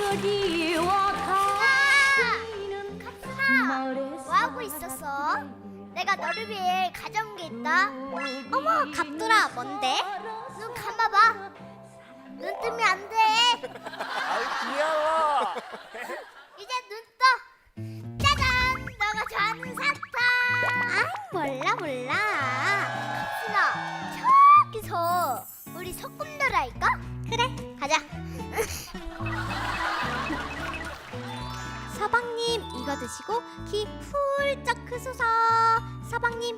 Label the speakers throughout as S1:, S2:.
S1: 갑순아, 뭐 하고 있었어? 내가 너를 위해 가져온 게 있다. 어머, 갑돌아, 뭔데? 눈 감아봐. 눈 뜨면 안 돼.
S2: 아이 귀여워.
S1: 이제 눈 떠. 짜잔, 너가 좋아하는 사탕. 아, 몰라. 갑순아, 저기서 우리 소꿉 놀아할까? 그래, 가자. 서방님, 이거 드시고 키 훌쩍 크소서. 서방님,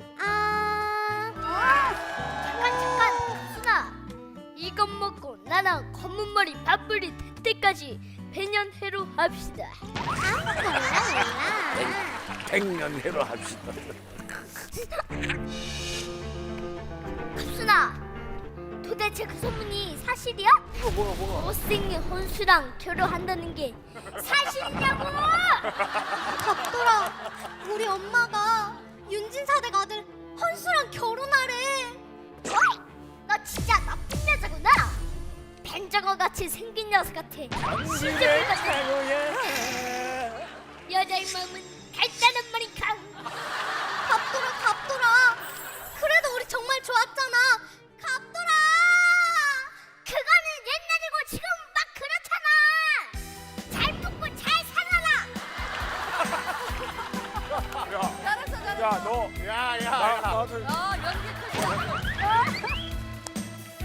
S1: 잠깐, 갑순아. 이것 먹고 나랑 검은 머리 밥풀이 될 때까지 배년해로 합시다. 몰라.
S2: 백년해로 합시다.
S1: 갑순아, 도대체 그 소문이 사실이야?
S2: 뭐가?
S1: 못생긴 혼수랑 결혼한다는 게 사실이냐고! 갑돌아, 우리 엄마가 윤진사댁 아들 헌수랑 결혼하래. 어이, 너 진짜 나쁜 여자구나. 벤저거 같이 생긴 녀석 같아.
S2: 당신의 최고야.
S1: 여자의 마음은 달다는 말인가. 갑돌아, 그래도 우리 정말 좋았잖아. 갑돌아, 그거는 옛날이고 지금 막 그렇잖아. 잘 품고 잘 살아라.
S2: 야, 너, 나도
S3: 연기